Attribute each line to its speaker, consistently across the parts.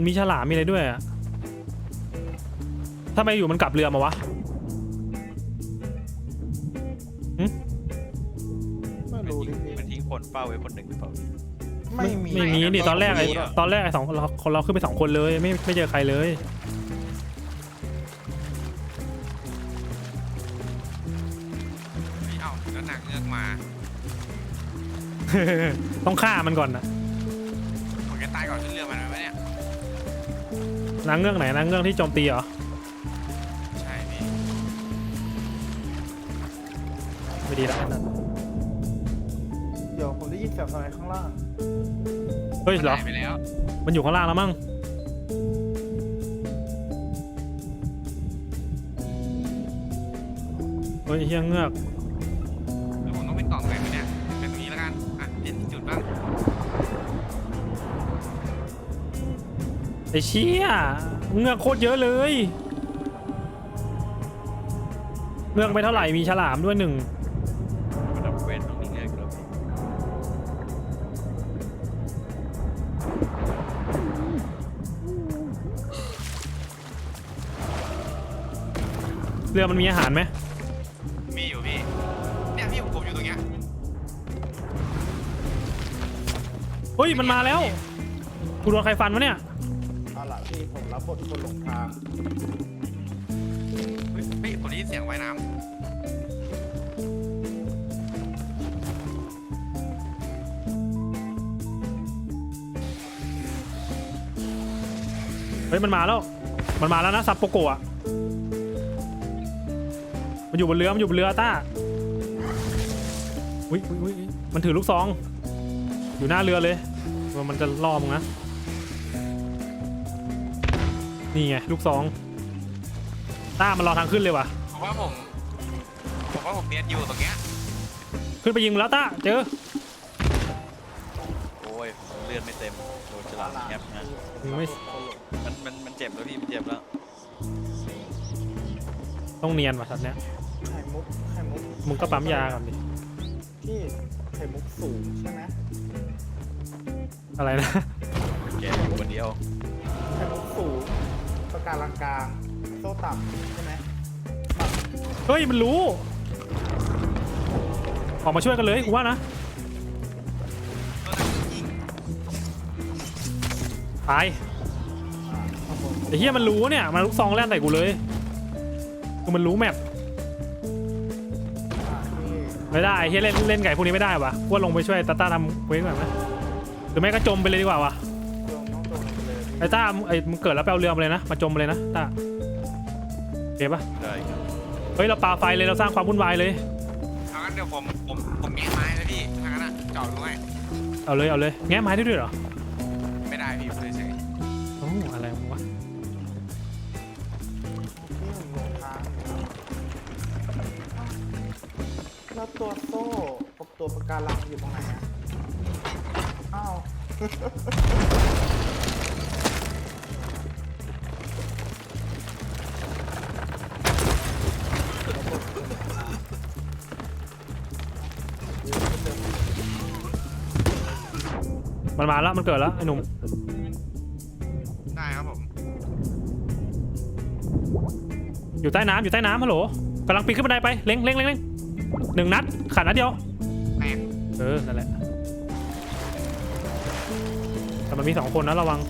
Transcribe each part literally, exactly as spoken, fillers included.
Speaker 1: มีฉลามมีอะไรด้วยอะถ้าไม่อยู่มันกลับเรือมาวะ
Speaker 2: ไม่รู้ดิ
Speaker 3: มันทิ้งคนเฝ้าไว้คนหนึ่งหรือเปล่า
Speaker 2: ไม่มี
Speaker 1: ไม่มีนี่ตอนแรกไอ้ตอนแรกไอ้สองเราคนเราขึ้นไปสองคนเลยไม่ไม่เจอใครเลย
Speaker 4: ไม่เอาแล้วนางเงือกมา
Speaker 1: ต้องฆ่ามันก่อนนะ
Speaker 4: ผมจะตายก่อนขึ้นเรือมันไหมเนี่ย
Speaker 1: นางเงือกไหนนางเงือกที่โจมตีเหรอ
Speaker 4: ใช่พี่
Speaker 1: ไม่ดีแล้วนั่น
Speaker 2: เดี๋ยวผมได้ยินเสียงอะไรข้างล่าง
Speaker 1: เฮ้ยเหรอ
Speaker 4: ตายไปแล้ว
Speaker 1: มันอยู่ข้างล่างแล้วมั้งเฮ้ยเฮียเงือก
Speaker 4: แล้วผมต้องเป็นกล่องไหนไหมเนี่ยเป็นตรงนี้แล้วกันอ่ะเปลี่ยนที่จุดบ้าง
Speaker 1: ไอ้เชี่ยเงือกโคตรเยอะเลยเงือกไม่เท่าไหร่มีฉลามด้วยหนึ่ง
Speaker 3: มันดับเว้นตรงนี้เงยครับ
Speaker 1: เรือมันมีอาหารไหม
Speaker 4: มีอยู่พี่เนี่ยพี่ผมอยู่ตรงเนี้ย
Speaker 1: เฮ้ยมันมาแล้วกูโดนใครฟันวะเนี่ย
Speaker 2: เอาล่ะพี่ผมรับบทคนหลงทาง
Speaker 4: เฮ้ยพี่ผมได้ยินเสียงว่ายน้
Speaker 1: เฮ้ยมันมาแล้วมันมาแล้วนะซับโปโกะมันอยู่บนเรือมันอยู่บนเรือต้าอุ้ยอุ้ยอุ้ยมันถือลูกซองอยู่หน้าเรือเลยว่ามันจะล่อมึงนะนี่ไงลูกซองต้ามันรอทางขึ้นเลยว่ะ
Speaker 4: ำผมว่าผมผมว่าผมเนียนอยู่ตรงเนี้ย
Speaker 1: ขึ้นไปยิงมันแล้วต้าเจอ
Speaker 3: โอ้ยเลือดไม่เต็มโดนฉลามแอบนะ
Speaker 1: ไม่
Speaker 3: มันมันมันเจ็บแล้วพี่มันเจ็บแล้ว
Speaker 1: ต้องเนียนว่ะสัตว์เนี้ย
Speaker 2: ไข่มุกไข่มุก
Speaker 1: มึงก็ปั๊มยาก่อนดิ
Speaker 2: พี่ไข่มุกสูงใช่ไหม
Speaker 1: อะไรนะ
Speaker 3: แกอยู่คนเดียว
Speaker 2: ไข่มุกสูงปะการังกลางโซ่ต่ำใช่ไหม
Speaker 1: เฮ้ยมันรู้ออกมาช่วยกันเลยกูว่านะตาย
Speaker 2: อ่าครับผม
Speaker 1: ไอ้เหี้ยมันรู้เนี่ยมันลูกซองแล่นใส่กูเลยคือมันรู้แมป
Speaker 2: อ่าพี่
Speaker 1: ไม่ได้ไอ้เหี้ยเล่นเล่นไก่พวกนี้ไม่ได้วะว่าลงไปช่วยตาต้าทำเว้นก่อนไหมหรือไม่ก็จมไปเลยดีกว่าวะ
Speaker 2: ลงน้องตรงไปเลย
Speaker 1: ไอ้ต้าไอ้มึงเกิดแล้วไปเอาเรือมาเลยนะมาจมไปเลยนะต้าโอเคปะ
Speaker 3: ได้ครับ
Speaker 1: เฮ้ยเราปาไฟเลยเราสร้างความวุ่นวายเลย
Speaker 4: เอางั้นเดี๋ยวผมผมผมแงะไม้เลยพี่ถ้างั้นอ่ะจอดตรงไหน
Speaker 1: เอาเลยเอาเลยแง้ไม้ได้ด้วยเหรอ
Speaker 4: ไม่ได้พี่เฉย
Speaker 1: โอ้อะไรวะ
Speaker 2: พี่ผมหลงทางแล้วตัวโซ่กับตัวปะการังอยู่ตรงไหนอ่ะอ้าว
Speaker 1: มันมาแล้วมันเกิดแล้วไอ้หนุ่ม
Speaker 4: ๆได้ครับผม
Speaker 1: อยู่ใต้น้ำอยู่ใต้น้ำฮัลโหลกำลังปีนขึ้นบันไดไปเล็งเล็งเล็งเล็งหนึ่งนัดขาดนัดเดียว
Speaker 4: แม่ง
Speaker 1: เออนั่นแหละแต่มันมีสองคนนะระวัง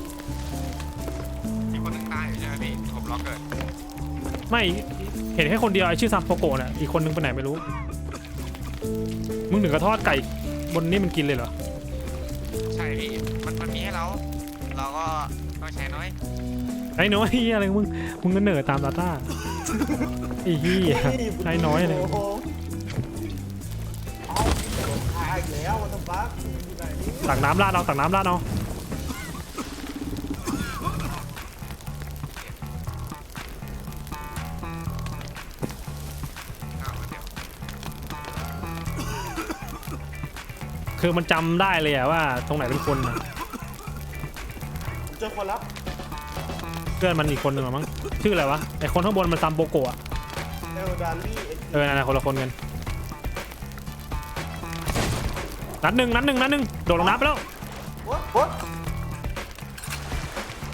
Speaker 4: มีคนหนึงตายอยู่ใช่ไหมพี่ผมล็อกเกิด
Speaker 1: ไม่เห็นแค่คนเดียวไอ้ชื่อซัมโปโกะน่ะอีกคนนึงไปไหนไม่รู้มึงถึงกระทอดไก่บนนี่มันกินเลยเหรอ
Speaker 4: ใช่พี่มันมันมีให้เราเราก็ต้องใช้น้อย
Speaker 1: ไอ้น้อยเหี้ยอะไรของมึงมึงก็เหนื่อยตามตาต้าไอ้เหี้ยไอ้น้อยเลย
Speaker 2: โโหเอาหลงทางอีกแล้ววันบักอยู่ไหนนี่
Speaker 1: ตักน้ำราดเอาตักน้ำราดเอา
Speaker 4: อ้าวเดี๋ยว
Speaker 1: คือมันจำได้เลยอะว่าตรงไหนเป็นคนอะ
Speaker 2: ผมเจอคนแล้ว
Speaker 1: เพื่อนมันอีกคนหนึ่งหรอมั้งชื่ออะไรวะไอ้คนข้างบนมันซัมโปโกะ
Speaker 2: เอลดารี่
Speaker 1: เออนั่นนะคนละคนกันนัดหนึ่งนัดหนึ่งนัดหนึ่งโดดลงน้ำไปแล้ว
Speaker 2: วัดวัด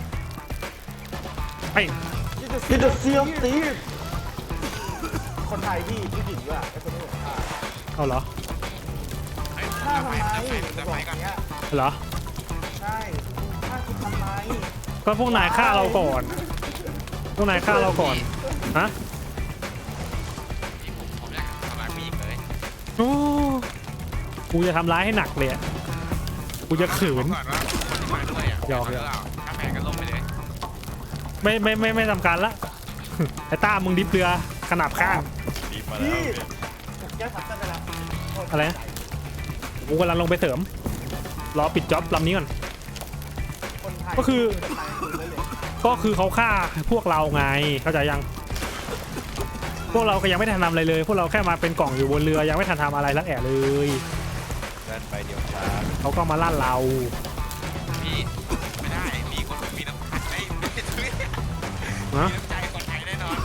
Speaker 1: ไอ้
Speaker 2: พี่จะเซียมตีคนไทยพี่ผู้หญิงด้วยไอ้คนนี้ผมฆ่า
Speaker 1: เอาเหรอ
Speaker 4: เฮ้ย
Speaker 2: ฆ่า
Speaker 4: เดี๋ยว
Speaker 2: ทำ
Speaker 4: ไป
Speaker 2: ไม
Speaker 4: เดี๋ยวไปเดี๋ยวไปก่อน
Speaker 2: เนี้ย
Speaker 1: เหรอ
Speaker 2: ใช่ฆ่าคุณทำไม
Speaker 1: ก็พวกนายฆ่าเราก่อน พวกนายฆ่าเราก่อน ฮะ
Speaker 4: พี่ผมผมอยากทำร้ายผู้หญิงเลย
Speaker 1: โอ้กูจะทำร้ายให้หนักเลยอะกูจะขืน
Speaker 4: บอกก่อนว่าคนที่มาด้วยอ่ะ
Speaker 1: หยอก
Speaker 4: หรือเปล่าถ้าแผลก็ลงไปเลย
Speaker 1: ไม่ไม่ไม่ไม่ทำการละ ไอ้ต้ามึงดิบเรือขนาบข้าง
Speaker 3: รีบมาแล้ว
Speaker 2: พี่
Speaker 3: เนี่ย
Speaker 2: ผมแก้ทับกันไปแล้ว
Speaker 1: อะไรนะ กูกำลังลงไปเสริม รอปิดจ็อบลำนี้ก่อน
Speaker 2: คนไทย
Speaker 1: ก็คือ
Speaker 2: จะไปคืนได้เลย
Speaker 1: ก็คือเขาฆ่าพวกเราไง เข้าใจยัง พวกเราก็ยังไม่ทันทำอะไรเลย พวกเราแค่มาเป็นกล่องอยู่บนเรือยังไม่ทันทำอะไรสักแอะเลย
Speaker 3: เดินไปเดี๋ยวช้า
Speaker 1: เขาก็มาล่าเรา
Speaker 4: พี่ไม่ได้มีคนมีน้ำใจไม่ไม่ได้ซื้อมี
Speaker 1: ฮะ
Speaker 4: น้ำใจคนไทยแน่นอน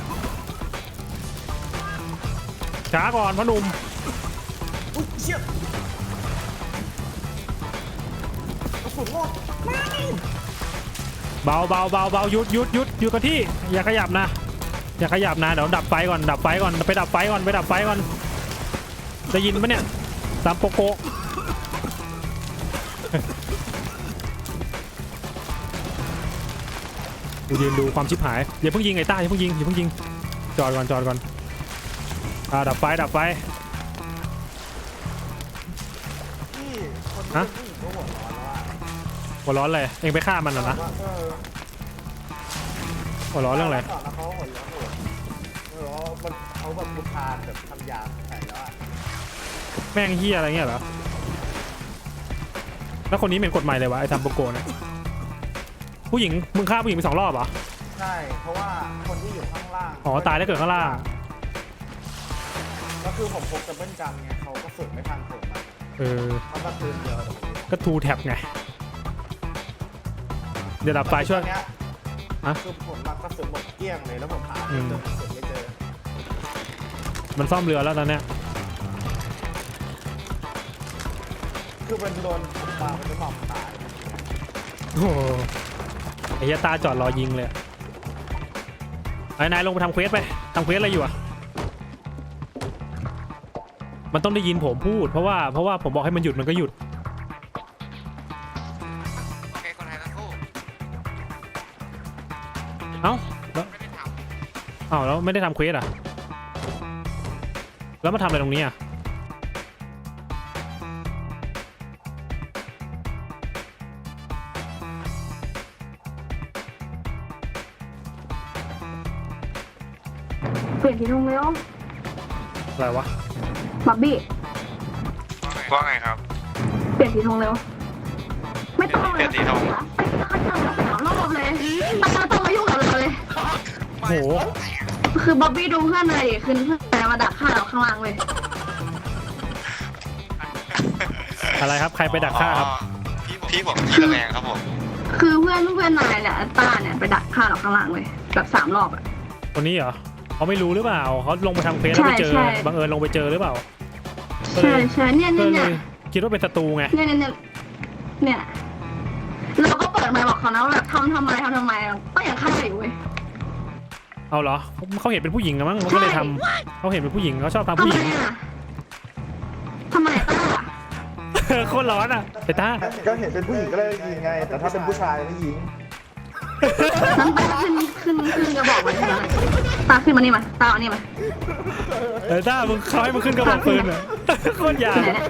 Speaker 1: ช้าก่อนพ่อหนุ่ม
Speaker 2: อุ๊ยเชี่ยกระสุนหมดไม่
Speaker 1: เบาเบาเบาเบาหยุดหยุดหยุดอยู่กับที่ อย่าขยับนะ อย่าขยับนะเดี๋ยวดับไฟก่อนดับไฟก่อนไปดับไฟก่อนไปดับไฟก่อนได้ยินปะเนี่ยตามโปโกะ กูยืนดูความชิบหายอย่าเพิ่งยิงไอ้ต้าอย่าเพิ่งยิงอย่าเพิ่งยิงจอดก่อนจอดก่อนอ่าดับไฟดับไฟ
Speaker 2: พี่คนที่
Speaker 1: ฮะ
Speaker 2: เป็นผู้หญิงก็หัวร้อนแล้วอะ
Speaker 1: หัวร้อนเลยเองไปฆ่ามันเหรอนะ
Speaker 2: ว่าเออ
Speaker 1: หัวร้อนเรื่องอะไร
Speaker 2: ก่อนแล้วเขาหัวร้อนหัวเออมันเขาแบบบุทานแบบทำยาใส่แล้วอะ
Speaker 1: แม่งเฮียอะไรเงี้ยเหรอแล้วคนนี้เป็นกฎหมายเลยวะไอ้ทำโปโกะเนี่ยผู้หญิงมึงฆ่าผู้หญิงไปสองรอบเหรอ
Speaker 2: ใช่เพราะว่าคนที่อยู่ข้างล่าง
Speaker 1: อ๋อตายแล้วเกิดข้างล่าง
Speaker 2: ก็คือผมพกดับเบิลกันไงเขาก็สุดไม่ทันผมอะ
Speaker 1: เออ
Speaker 2: เขาก็คืนเดียวแต่ผม
Speaker 1: ก็ทูแท็บไงเดี๋ยวดับไฟช่วย
Speaker 2: ตอนเนี้ย
Speaker 1: ฮะ
Speaker 2: คือผมมากระสุนหมดเกลี้ยงเลยแล้วผมหา
Speaker 1: อื
Speaker 2: เจ
Speaker 1: ม
Speaker 2: อกระสุนไม่เจอ
Speaker 1: มันซ่อมเรือแล้วตอนเนี้ย
Speaker 2: คือมันโดนผมปามันจะหมอบตาย
Speaker 1: โอ้โหไอ้เหี้ยตาจอดรอยิงเลยอะไอ้นายลงไปทำเควสไปทำเควสอะไรอยู่อะมันต้องได้ยินผมพูดเพราะว่าเพราะว่าผมบอกให้มันหยุดมันก็หยุด
Speaker 4: โอเคคนไทยทั้งคู่
Speaker 1: เอ้าแล้ว
Speaker 4: ไม่ได้ท
Speaker 1: เอ้าแล้วไม่ได้ทำเควสอะแล้วมาทำอะไรตรงนี้อะ
Speaker 5: เปลี่ยนสีธงเร็ว
Speaker 1: อะไรวะ
Speaker 5: บับบี้
Speaker 4: ำว่าไงครับ
Speaker 5: เปลี่ยนสีธงเร็ว ไม่ต้องเลย
Speaker 4: เปลี่ยนสีธง
Speaker 5: เขาทำแบบสามรอบเลยไม่ต้องมายุ่งกับเราเลย
Speaker 1: โอ้โห
Speaker 5: คือบับบี้ดูเพื่อนเลยดิคือเพื่อนมาดักฆ่าเราข้างล่างเลย
Speaker 1: อะไรครับใครไปดักฆ่าครับ
Speaker 4: พี่ผมพี่ระแวงครับผม
Speaker 5: คือเพื่อนเพื่อนนายเนี่ยต้าเนี่ยไปดักฆ่าเราข้างล่างเลยแบบสามรอบอะ
Speaker 1: คนนี้เหรอเขาไม่รู้หรือเปล่าเขาลงไปทำเควสแล้วไปเจอ
Speaker 5: ใช่ใช่
Speaker 1: บังเอิญลงไปเจอหรือเปล่าก็
Speaker 5: ใช่
Speaker 1: เลย
Speaker 5: ใช่เนี่ย
Speaker 1: ก็
Speaker 5: เนี่ย
Speaker 1: เล
Speaker 5: เนี่ย
Speaker 1: ยคิดว่าเป็นศัตรูไง
Speaker 5: เนี่ยเนี่ยเนี่ยเนี่ยเราก็เปิดไมค์บอกเขานะว่าแบบทำทำไมทำทำไมก็ยังฆ่าอยู่เว้ย
Speaker 1: เอาเหรอเขาเห็นเป็นผู้หญิงนะมั้งเขาก็เลยทำเขาเห็นเป็นผู้หญิงเขาชอบทำ
Speaker 5: ทำ
Speaker 1: ผู้
Speaker 5: ไม
Speaker 1: หญิง
Speaker 5: อะทำไมต้า
Speaker 1: โคตรร้อนอ่ะไอ้ตา
Speaker 2: ก็เห็นเป็นผู้หญิงก็เลยยิงไง แต่ถ้าเป็นผู้ชายไม่ยิง
Speaker 5: นั้นตาขึ้นขึ้นขึ้นกระบอกเลยนะตาขึ้นมานี่มาตาเอานี่มา
Speaker 1: เออตามึงเขาให้มึงขึ้นกระบอกปืนเหรอโคตรยา
Speaker 5: ที่ไหนเนี่ย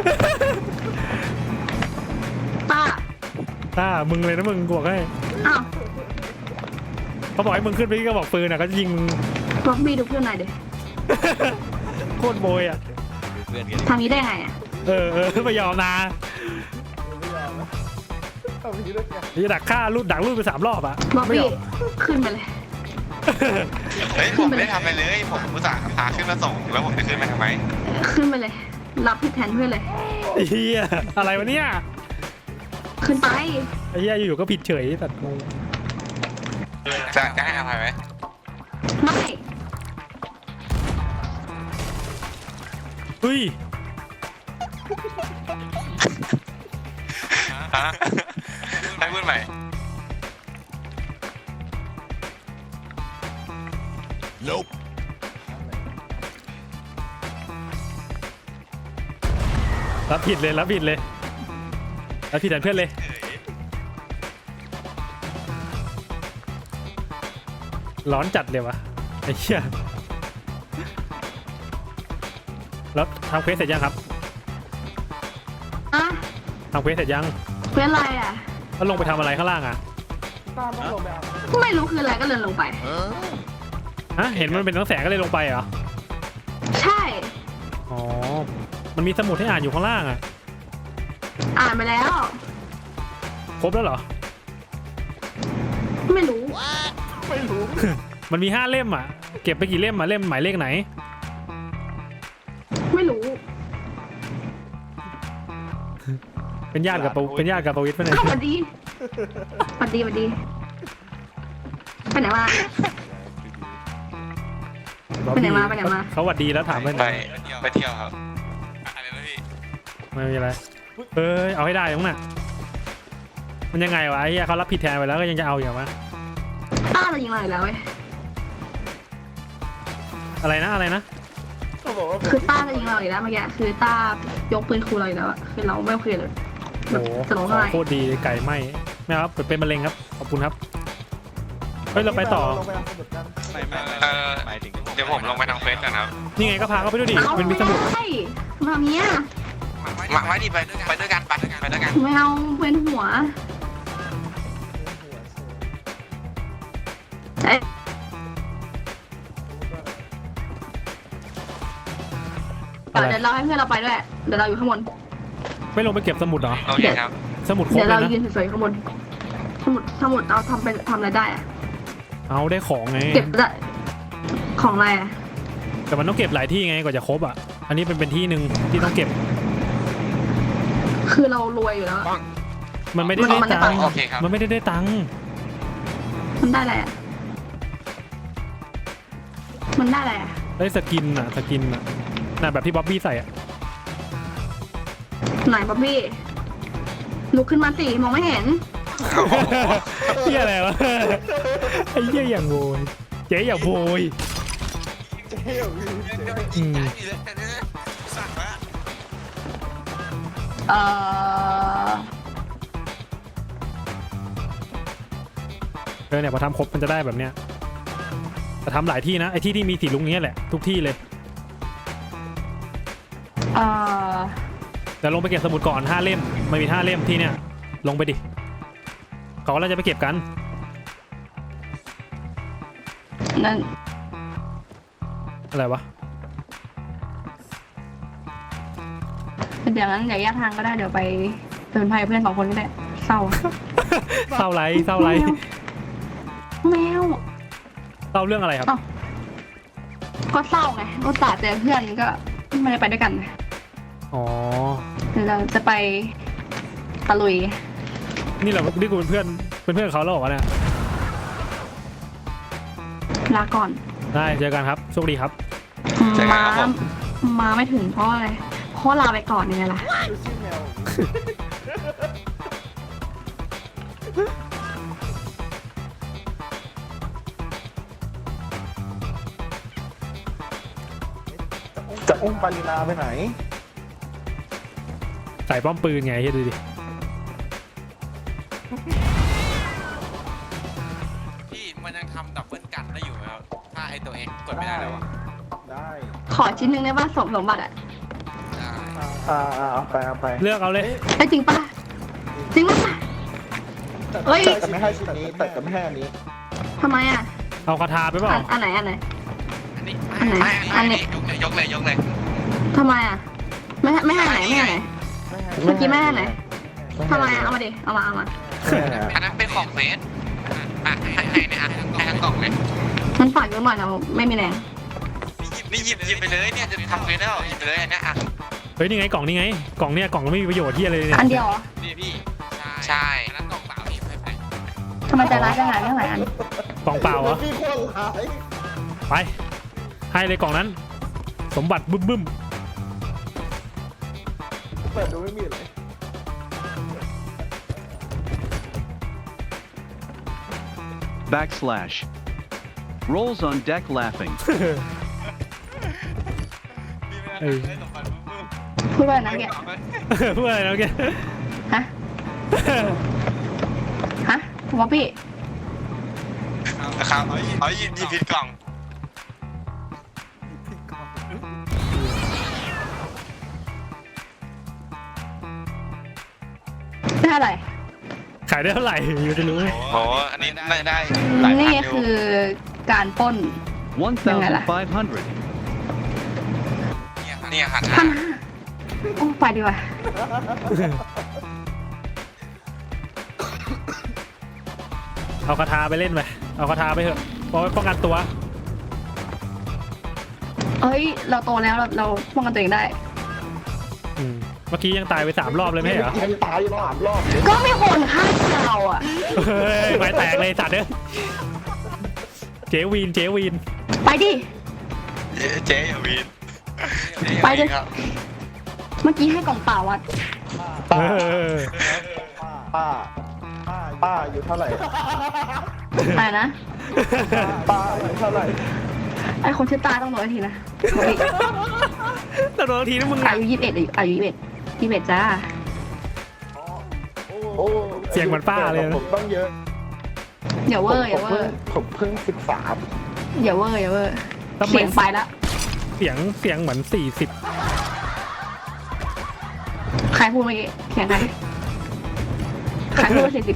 Speaker 5: ตา
Speaker 1: ตามึงเลยนะมึงกูบอกให้
Speaker 5: อ้าว
Speaker 1: เขาบอกให้มึงขึ้นไปที่กระบอกปืนอ่ะก็ยิงมึง
Speaker 5: ล็อบบี้ดูเพื่อนหน่อยเดี๋ยว
Speaker 1: โคตรโบยอ่ะ
Speaker 3: ดูเพื่อนกัน
Speaker 5: ทำนี้ได้ไงอ่ะ
Speaker 1: เออเออไม่ยอมนะ
Speaker 2: ไม่ยอมนะเอาอย่างนี้ด้วยกัน
Speaker 1: จะดักฆ่าลูดดักลูดไปสามรอบอ่ะ
Speaker 5: ล็อบ
Speaker 1: ไม่ย
Speaker 5: บี้
Speaker 1: อม
Speaker 5: ขึ้นไปเลย
Speaker 4: เฮ้ยผมไม่ได้ทำอะไรเลย ผมอุตส่าห์พาขึ้นมาส่งแล้วผมจะขึ้นมาทำไม
Speaker 5: ขึ้นไปเลย รับผิดแทนเพื่อนเลย
Speaker 1: ไอ้เฮียอะไรวะเนี่ย
Speaker 5: ขึ้นไป
Speaker 1: ไอ้เฮียอยู่ๆก็ผิดเฉยแต่งง
Speaker 4: จะจะให้อภัยไหม
Speaker 5: ไม่
Speaker 1: เฮ้ย
Speaker 4: ฮะให้พูดใหม่
Speaker 1: รับผิดเลยรับผิดเลยรับผิดแทนเพื่อนเลยร้อนจัดเลยวะไอ้เหี้ยแล้วทำเควสเสร็จยังครับ
Speaker 5: อ่ะ
Speaker 1: ทำเควสเสร็จยัง
Speaker 5: เพื่อนอะไรอ่ะ
Speaker 1: แล้วลงไปทำอะไรข้างล่างอ่ะ
Speaker 2: ตามต้องลงไปเอา
Speaker 5: ไม่รู้คืออะไรก็เลยลงไป
Speaker 1: ฮะเห็นมันเป็นน้องแสงก็เลยลงไปเหรอ
Speaker 5: ใช่
Speaker 1: อ๋อมันมีสมุดให้อ่านอยู่ข้างล่างอ่ะ
Speaker 5: อ่านไปแล้ว
Speaker 1: ครบแล้วเหรอ
Speaker 5: ไม่รู้
Speaker 2: ไม่รู้
Speaker 1: มันมีห้าเล่มอ่ะเก็บไปกี่เล่มอ่ะเล่มหมายเลขไหน
Speaker 5: ไม่รู้
Speaker 1: เป็นญาติกับปะเป็นญาติกับประวิตรปะเนี่ย
Speaker 5: อ้าวสวัสดีสวัสดีสวัสดีไปไหนมา ไปไหนมาไปไหนมา
Speaker 1: เขาหวัดดีแล้วถามไปไหน
Speaker 4: ไปเที่ยวครับอะไรนะพี่
Speaker 1: ไม่มีอะไรเอ้ยเอาให้ได้ตรงน่ะมันยังไงวะไอ้เหี้ยเขารับผิดแทนไปแล้วก็ยังจะเอาอย่างวะ
Speaker 5: ต้าเรายิงเราอีกแล้วเว้ย
Speaker 1: อะไรนะอะไรนะ
Speaker 2: เขาบอกว่า
Speaker 5: คือต้าจะยิงเราอีกแล้วเมื่อกี้คือต้ายกปืนคูเราอีกแล้วอะคือเราไม่โอเคเลยแบ
Speaker 1: โอ้
Speaker 5: บ
Speaker 1: โห
Speaker 5: จะร้อง
Speaker 1: ขอ
Speaker 5: ไห้
Speaker 1: งโคตรดีไก่ไหมไม่เอาครับเป็นมะเร็งครับขอบคุณครับเฮ้ยเราไปต่อ
Speaker 2: ลงไปเอาสมุดกัน
Speaker 3: ไม่ไม่ไม่
Speaker 4: เออ
Speaker 3: หมายถึง
Speaker 4: เดี๋ยวผมลงไปทางเฟซกันครับ
Speaker 1: นี่ไงก็พาเขาไปด้วยดิ
Speaker 5: เอา
Speaker 1: มันมี
Speaker 5: ไม่
Speaker 1: สมุด
Speaker 5: ได้มาเนี้ย
Speaker 4: มาไว้ดิไปไปด้วยกันไปด้วยกันไปด้วยกัน
Speaker 5: ไม่เอาเวียนหัวเอ๊ะ
Speaker 1: อะไร
Speaker 5: เดี๋ยวเราให้เพื่อนเราไปด้วยเดี๋ยวเราอยู่ข้างบน
Speaker 1: ไม่ลงไปเก็บสมุดเหรอ
Speaker 4: โอเคครับ
Speaker 1: สมุดครบ
Speaker 5: เดี๋ยว
Speaker 1: เล
Speaker 5: เรา
Speaker 1: ยนะ
Speaker 5: ยืนสวยๆข้างบนสมุดสมุดเอาทำเป็นทำอะไรได้อะ
Speaker 1: เอาได้ของไง
Speaker 5: เก็บได้ของอะไรอะ
Speaker 1: แต่มันต้องเก็บหลายที่ไงกว่าจะครบอ่ะอันนี้เป็นเป็นที่หนึ่งที่ต้องเก็บ
Speaker 5: คือเรารวยอยู่แล้วอะ
Speaker 1: มันไม่ได้ได้
Speaker 5: มันได้
Speaker 1: ตังค์
Speaker 4: โอเคครับ
Speaker 1: มันไม่ได้ได้ตังค์
Speaker 5: มันได้อะไรอะมันได้อะไรอะ
Speaker 1: ได้สกินอ่ะสกินอ่ะน่ะแบบที่บ๊อบบี้ใส่อ่ะ
Speaker 5: ไหนบ๊อบบี้ลุกขึ้นมาสิมองไม่เห็น
Speaker 1: เหี้ยอะไรวะไอ้เหี้ยอย่างโวยเจ๊อย่างโวย
Speaker 2: เจ๊อยู่พี่เจ๊
Speaker 1: อืม
Speaker 4: สั่งแล้ว
Speaker 5: เอ่อ
Speaker 1: เออเนี่ยพอทำครบมันจะได้แบบเนี้ยแต่ทำหลายที่นะไอ้ที่ที่มีสีลุงเนี้ยแหละทุกที่เลย
Speaker 5: เอ่อ
Speaker 1: เดี๋ยวลงไปเก็บสมุดก่อนห้าเล่มมันมีห้าเล่มที่เนี่ยลงไปดิเขาก็จะไปเก็บกัน
Speaker 5: นั่น
Speaker 1: อะไรวะ
Speaker 5: เดี๋ยวนั้นเดี๋ยวแยกทางก็ได้เดี๋ยวไปเตือนภัยเพื่อนสองคนก็ได้เศร้า
Speaker 1: เศร้าไรเศร้าไร
Speaker 5: แมว
Speaker 1: เศร้าเรื่องอะไรครับ
Speaker 5: อ้าวก็เศร้าไงอุตส่าห์เจอเพื่อนก็ไม่ได้ไปด้วยกัน
Speaker 1: อ๋อ
Speaker 5: เดี๋ยวเราจะไปตะลุย
Speaker 1: นี่เรานี่กูเป็นเพื่อนเป็นเพื่อนกับเขาแล้วเหรอวะเนี่ย
Speaker 5: ลาก่อน
Speaker 1: ได้เจอกันครับโชคดีครับ
Speaker 5: มามาไม่ถึงเพราะอะไรเพราะลาไปก่อนยังไงล่ะ
Speaker 2: ดูชื่อแมวจะอุ้มปารินาไปไหน
Speaker 1: ใส่ป้อมปืนไงเฮ้ยดูดิ
Speaker 4: พี่มันยังทำดับเบิลกันได้อยู่ไหมครับถ้าไอตัวเองกดไม่ได้แล้วอะ
Speaker 2: ได้
Speaker 5: ขอชิ้นหนึ่งได้ป่ะสมสมบัติอ่ะ
Speaker 4: ได้
Speaker 2: อ่าอ่าเอาไปเอาไป
Speaker 1: เลือกเอาเลย
Speaker 5: ได้จริงป่ะจริงป่ะ เฮ้ย
Speaker 2: แต่ไม่ให้ชุดนี้แต่ก็ไม่ให้อันนี้
Speaker 5: ทำไมอ่ะ
Speaker 1: เอาคาถาไปเปล่า
Speaker 5: อันอันไหนอันไหน
Speaker 4: อันนี้
Speaker 5: อันไหน
Speaker 4: ไม่
Speaker 5: อันไหน
Speaker 4: ยกเลยยกเลยยกเลย
Speaker 5: ทำไมอ่ะไม่ให้ไม่ให้ไหนไม่ให้ไหน เมื่อกี้แม่ไหน ทำไมอ่ะเอามาดิเอามาเอามา
Speaker 4: อันนั้นเป็นของเฟสอ่ะให้ให้เนี่ยอ่ะให้ทั้งกล่องเลย
Speaker 5: มันฝากเยอะหน่อยนะไม่มีแรง
Speaker 4: นี่หยิบหยิบไปเลยเนี่ยจะทำเฟสแล้วหยิบไปเลยอันเนี้ยอ่ะ
Speaker 1: เฮ้ยนี่ไงกล่องนี่ไงกล่องเนี่ยกล่องไม่มีประโยชน์ที่อะไรเลยเนี่ย
Speaker 5: อันเดียวเหรอ
Speaker 4: นี่พี่ใช่อันนั้นกล่องเปล่าพี่ไม่ไป
Speaker 5: ทำไมใจร้ายจังหายเรื่องไหนอัน
Speaker 1: กล่องเปล่าเหรอ
Speaker 2: พี่คนร้าย
Speaker 1: ไปให้เลยกล่องนั้น สมบัติบึ้มบึ้ม
Speaker 2: เปิดดูไม่มีเลย
Speaker 6: backslash Rolls on deck laughing.
Speaker 1: เออ
Speaker 5: พูดว่าอะไรนะเมื่อกี้
Speaker 1: พูดอะไรนะเมื่อกี้
Speaker 5: ฮะ ฮะวอปปี้
Speaker 4: นะครับเอาหยิบหยิบผิดกล่อง
Speaker 5: ได้อะไร
Speaker 1: ขายได้เท่าไหร่อยู่จะรู้ไหม
Speaker 4: โอ้อันนี้ได้ได้หลายพัน
Speaker 5: นี่
Speaker 4: อยู่
Speaker 5: คือการปล้น
Speaker 6: one thousand five hundred.
Speaker 4: เนี่ยหัน
Speaker 5: พันห้าโอ้ไปดีกว่า
Speaker 1: เอาคาถาไปเล่นไปเอาคาถาไปเถอะเพราะไว้ป้องกันตัว
Speaker 5: เอ้ย เราโตแล้วเราเราป้องกันตัวเองได้
Speaker 1: อืมเมื่อกี้ยังตายไปสามรอบเลยไม่ใช่เหรอ
Speaker 2: ยังตายอยู่สามรอบ
Speaker 5: ก็ไม่คนฆ่าเราอ่ะ
Speaker 1: เฮ้ยไม้แตกเลยสัตว์เด้อเจวีนเจวีน
Speaker 5: ไปดิ
Speaker 4: เจ๊อย่าวีน
Speaker 5: ไปดิ
Speaker 4: ครับ
Speaker 5: เมื่อกี้ให้กล่องเปล่าวัด
Speaker 1: เออ
Speaker 2: ป้าป้าป้าอายู่เท่าไหร่
Speaker 5: อะไรนะ
Speaker 2: ป้าอายู่เท่าไหร่
Speaker 5: ไอคนชื่อตาต้องโดนทีนะ
Speaker 1: แต่โดนทีนะมึง
Speaker 5: อายุยี่สิบเอ็ดอายุยี่สิบเอ็ดยี่สิบเอ็ดจ้า
Speaker 2: โอ้
Speaker 1: เสียงเหมือนป้าเลยนะ
Speaker 2: ผมต้องเยอะ
Speaker 5: อย่าเวอร์อย่าเวอร์
Speaker 2: ผมเพิ่งสิบสาม
Speaker 5: อย่าเวอร์อย่าเวอร์
Speaker 1: ทำไม
Speaker 5: เสียงไปแล้ว
Speaker 1: เสียงเสียงเหมือนสี่สิบ
Speaker 5: ใครพูดเมื่อกี้เสียงใครใครพูดว่าสี่สิบ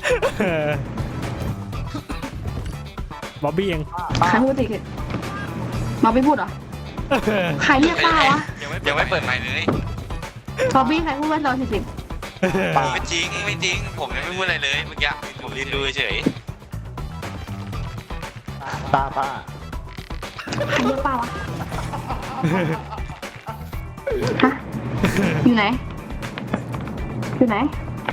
Speaker 1: บ๊อบบี้เอง
Speaker 5: ใครพูดสี่สิบมาไม่พูดเหรอ ใครเรียกป้าวะ
Speaker 4: ยังไม่เปิดใหม่เลย
Speaker 5: บอบบี้ใครพูดว่าเราสี่สิบ
Speaker 4: ไม่จริงไม่จริง ผมยังไม่พูดอะไรเลยเมื่อกี้ผมยืนดูเฉย
Speaker 2: ตาป้า
Speaker 5: ใครเรียกป้าวะ ฮะ อยู่ไหน อยู่ไหน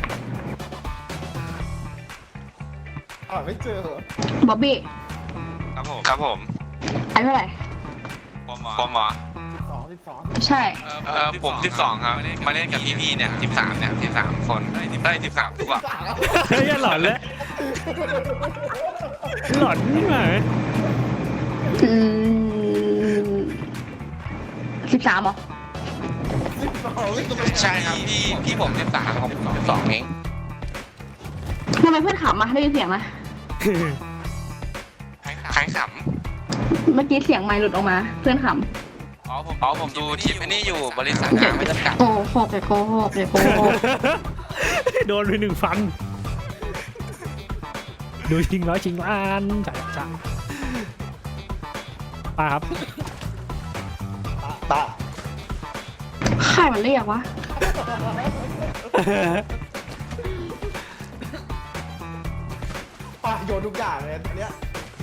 Speaker 2: อ่าไม่เจอเหรอ
Speaker 5: บ๊อบบี้
Speaker 4: ครับผมครับผม
Speaker 5: อายุเท่าไหร่
Speaker 4: ผมหมอผมหมอ
Speaker 2: สองสิบสอง
Speaker 5: ใช่
Speaker 4: เออผมสิบสองครับมาเล่นกับพี่ๆเนี่ยสิบสามเนี่ยสิบสามคนได้สิบสามตัว
Speaker 1: เฮ้ยหลอนแล้วหลอนนี่หมาย
Speaker 5: อืมสิบสามเหรอ
Speaker 4: ใช่ครับพี่พี่ผมสิบสามผมสิบสองเอง
Speaker 5: ทำไมเพื่อนขำมาได้ยินเสียงไหม
Speaker 4: ใครข
Speaker 5: เมื่อกี้เสียงไมค์หลุดออกมา เพื่อนข
Speaker 4: ำอ๋อผมอ๋อผมดูทิปนี่อยู่บริษัทงานไม่จำกัด
Speaker 5: ำโกหกเลยโกหกเลยโกหก
Speaker 1: โดนไปหนึ่งฟัน ดูชิงร้อยชิงล้านจ้าจ้าป้าครับ
Speaker 2: ตา
Speaker 5: ใครมันเรียกวะ
Speaker 2: ป้าโยนทุกอย่างเลยอันเนี้ย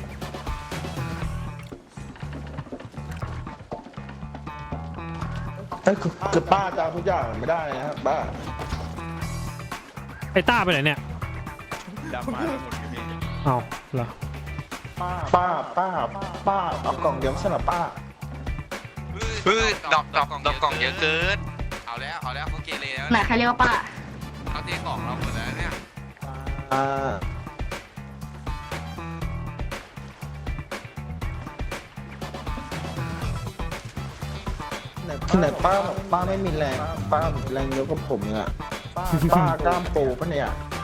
Speaker 2: เอ้ยคือคือป้าจะเอาทุกอย่างไม่ได้นะครับป้า
Speaker 1: ไอ้ต้าไปไหนเนี่ย
Speaker 3: ดำมาหมดกันเอง
Speaker 1: เอาเหรอ
Speaker 2: ป้าป้าป้าป้าเอากล่องเดียวไม่ใช่เหรอป้า
Speaker 4: เฮ้ยดอกดอกดอกกล่องเยอะเกินเอาแล้วเอาแล้วเขาเกเรแล้ว
Speaker 5: ไหนใครเรียกว่าป้า
Speaker 4: เขาเทกล่องเราหมดแล้วเนี่ย
Speaker 2: อ่าไหนป้าบอกป้าไม่มีแรงป้าแรงเยอะกว่าผมเนี่ยป้ากล้ามปูปะเนี่ย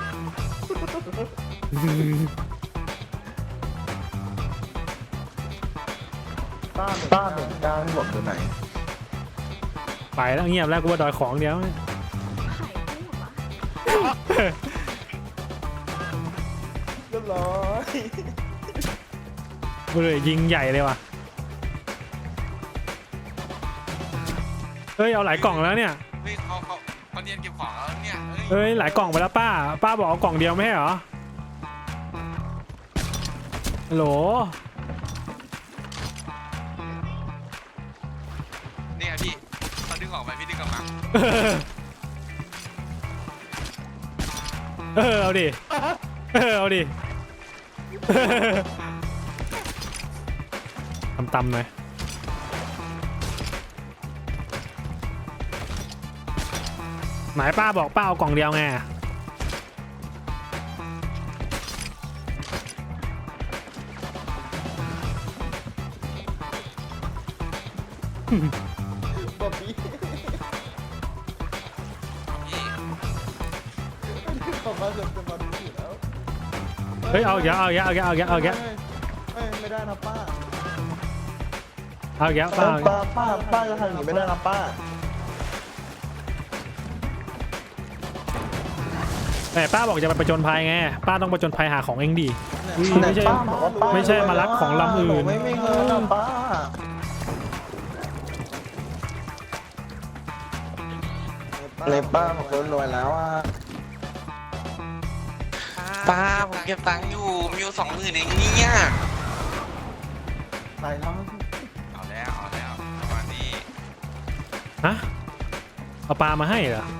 Speaker 2: ป้าป้าเป็นกล้ามหมดตัวไหน
Speaker 1: ไปแล้วเงียบแล้วกูว่าดอยของเดียว
Speaker 2: เรียบร้อย
Speaker 1: กูเลยยิงใหญ่เลยว่ะเฮ้ยเอาหลายกล่องแล้วเนี่ย
Speaker 4: เฮ้ยเขาเขาเขาเรียนเก็บของแล้วเนี่ย
Speaker 1: เฮ้ยหลายกล่องไปแล้วป้า ป้าบอกเอากล่องเดียวไม่ใช่เหรอฮัลโหล
Speaker 4: เนี่ยพี่เขาดึงออกไปพี่ดึงออกมา
Speaker 1: เออเอาดิเออเอาดิตำๆหน่อยหมายป้าบอกป้าเอากล่องเดียวไง
Speaker 2: บอบบี้
Speaker 4: พี่
Speaker 2: ผมว่าจะเป็นบอบบี้อยู่แล้ว
Speaker 1: เฮ้ยเอาอีกแล้วเอาอีกแล้วเอาอีกแล้วเอาอีกแล้ว
Speaker 2: เอ้ยไม่ได้นะป้า
Speaker 1: เอาอีกแล้วป้าเอาอีก
Speaker 2: ป้า
Speaker 1: แล้ว
Speaker 2: ป้าป้าจะทำอย่างนี้ไม่ได้นะป้า
Speaker 1: แต่ป้าบอกจะไปประจนภัยไงป้าต้องประจนภัยหาของเองดี อุ้ยไม่ใช่
Speaker 2: ป้าบอกว่าป้า
Speaker 1: ไม่ใช่มาลักของลำอื่น
Speaker 2: หไม่มีเงินนะป้า เลยป้าผมก็รวยแล้วอ่ะ
Speaker 4: ป้าผมเก็บตังค์อยู่มีอยู่สองหมื่นเองเนี่ย
Speaker 2: ตายแล้ว
Speaker 4: เอาแล้วเอาแล้วประมาณนี้
Speaker 1: ฮะเอาปลามาให้เหรอ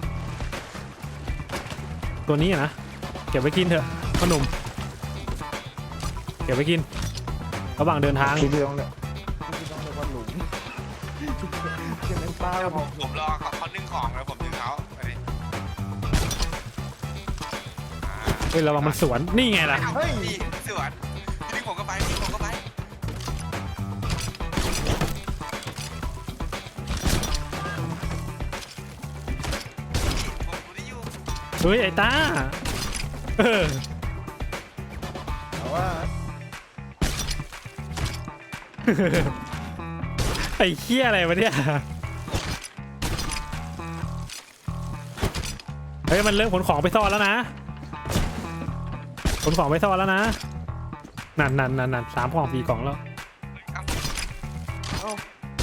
Speaker 1: ตัวนี้อะนะเก็บไว้กินเถอะพ่อหนุ่มเก็บไว้กินระหว่างเดินทาง
Speaker 2: พี่พี่ต้องเนี่ยพี่ต้องเรียกว่าหลุมจะเป็นป้า
Speaker 4: เดี๋ยว
Speaker 2: ผ
Speaker 4: ผม มผมรอเขาเขานึ่งของแล้วผมดึงเขาไปดิอ่า
Speaker 1: เฮ้ยระวังมันสวนนี่ไงล่ะ
Speaker 4: เฮ้ยสวนพี่ดึงผมก็ไปพี่ดึงผมก็ไปผมได้อยู่
Speaker 1: เฮ้ยไอ้ตาเออ
Speaker 2: แต่ว่า
Speaker 1: ไอ้เคี้ยอะไรวะเนี่ยเฮ้ยมันเริ่มขนของไปซ่อนแล้วนะขนของไปซ่อนแล้วนะนั่นนั่นนั่นนั่นสามกล่องสี่กล่องแล้ว
Speaker 4: ครับ
Speaker 2: เอ้า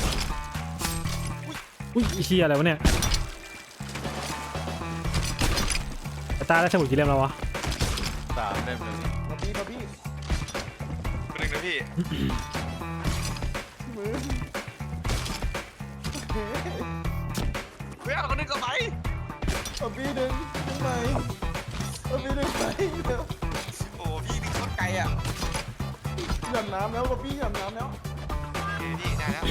Speaker 1: อุ้ยไอ้เคี้ยอะไรวะเนี่ยไอ้ตาได้สมุดกี่เล่มแล้ววะ
Speaker 3: สามเล่มเลย
Speaker 2: มาพี่มาพี่
Speaker 4: คนหนึ่งนะพี่
Speaker 2: มือ
Speaker 4: เฮ้ยเอาคนหนึ่งก็ไป
Speaker 2: มาพี่ดึงดึงไหมมาพี่ดึงไหมเดี๋ยว
Speaker 4: โอ้พี่ดึงโคตรไกลอ่ะ
Speaker 2: หย่ำน้ำแล้วมาพี่หย่ำน้ำแล้ว
Speaker 4: โอเคพี่ได้แล้ว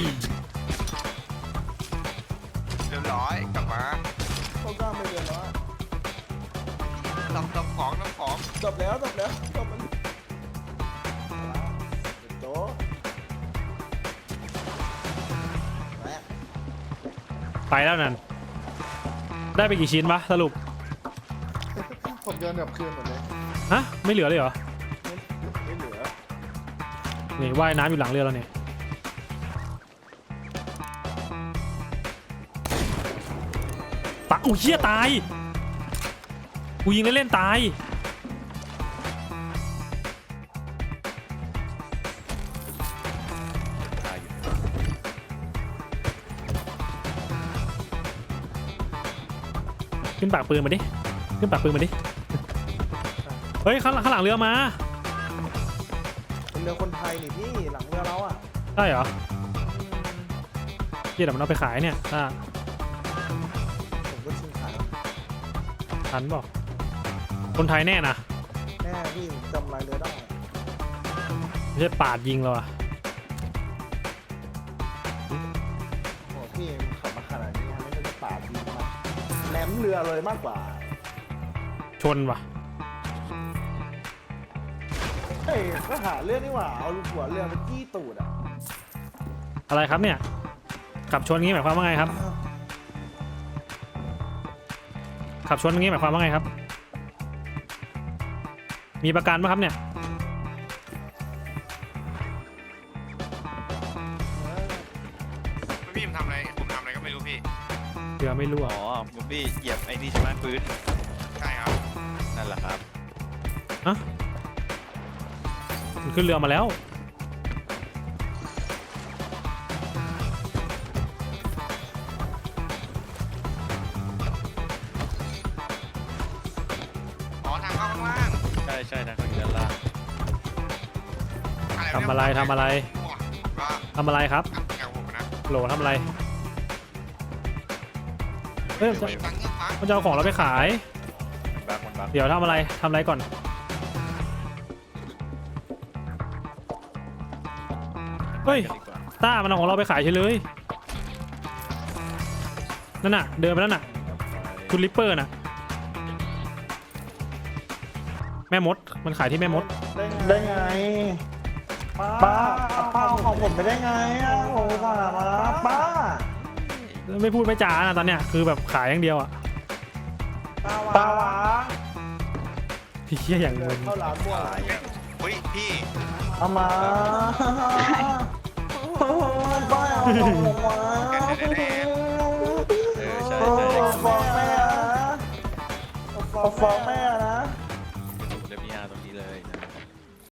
Speaker 4: เรียบร้อยกลับมา
Speaker 2: เขากล้ามไปเดือนแล้วอะ
Speaker 4: ทำทำของทำของ
Speaker 2: จบแล้วจบแล้วจบมันโต๊ะแม่
Speaker 1: ไปแล้วนั่นได้ไปกี่ชิ้นวะสรุป
Speaker 2: ผมโยนกลับคืนหมดเลย
Speaker 1: ฮะไม่เหลือเลยเหรอ
Speaker 2: ไม่เหลือ
Speaker 1: นี่ว่ายน้ำอยู่หลังเรือแล้วเนี่ยตะอุ้ยเหี้ยตายกูยิงเล่นๆตายขึ้นปากปืนมาดิขึ้นปากปืนมาดิเฮ้ยข้างหลังข้างหลังเรือมา
Speaker 2: เป็นเรือคนไทยนี่พี่หลังเรือเราอ่ะ
Speaker 1: ได้เหรอ
Speaker 2: อืม
Speaker 1: เดี๋ยวมันเอาไปขายเนี่ยถ้า
Speaker 2: ผมก็ชิงขาย
Speaker 1: ทันบอกคนไทยแน่นะ
Speaker 2: แน่พี่ผมจำลายเรือได้
Speaker 1: ไม่ใช่ปาดยิงเราอะ
Speaker 2: โอ้โหพี่มันขับมาขนาดนี้ไม่ใช่จะปาดยิงมาแหลมเรือเลยมากกว่า
Speaker 1: ชนว่ะ
Speaker 2: เฮ้ยก็หาเรื่องนี่หว่าเอาหัวเรือไปจี้ตูดอ่ะ
Speaker 1: อะไรครับเนี่ยขับชนงี้หมายความว่าไงครับขับชนงี้หมายความว่าไงครับ มีประกันไหมครับเนี่ย
Speaker 4: พี่ผมทำอะไรผมทำอะไรก็ไม่รู้พี่
Speaker 1: เรือไม่รั่ว
Speaker 3: อ๋อมุมบี้เหยียบไอ้นี่ใช่ไหมพื้น
Speaker 4: ใช่ครับ
Speaker 3: นั่นแหละครับ
Speaker 1: มันขึ้นเรือมาแล้ว
Speaker 4: อ๋อทางเข้าข้างล่าง
Speaker 3: ใช่ใช่นะเขาอยู่ด้านล่าง
Speaker 1: ทำอะไรทำอะไร
Speaker 4: ก็
Speaker 1: ทำอะไรครับ
Speaker 4: แกผมนะ
Speaker 1: โหลทำอะไรเฮ้ย
Speaker 4: ตังค์เงี้ยปั๊บ
Speaker 1: มันจะเอาของเราไปขาย
Speaker 3: มันบักมันบัก
Speaker 1: เดี๋ยวทำอะไรทำอะไรก่อนเฮ้ย
Speaker 3: ดีกว่า
Speaker 1: ต้ามันเอาของเราไปขายเฉยเลยนั่นน่ะเดินไปแล้วน่ะคุณลิปเปอร์น่ะแม่มดมันขายที่แม่มด
Speaker 2: ได้ไงป้าป้าเอาของผมไปได้ไงอ่ะโอ้ผ่ามาป้า
Speaker 1: ไม่พูดไม่จานะตอนเนี้ยคือแบบขายอย่างเดียวอ่ะ
Speaker 2: ตาวาง
Speaker 1: พี่เชี่ยอย่างเงิน
Speaker 2: เข้าร้านมั่ว
Speaker 3: อะไรอ่ะเฮ้ยพี่
Speaker 2: เอามาโอ้ยป้าเอาของผมมา
Speaker 3: เออใช่
Speaker 2: โอ้
Speaker 3: ใช่
Speaker 2: ฟ้องแม่ฟ้องแม่นะ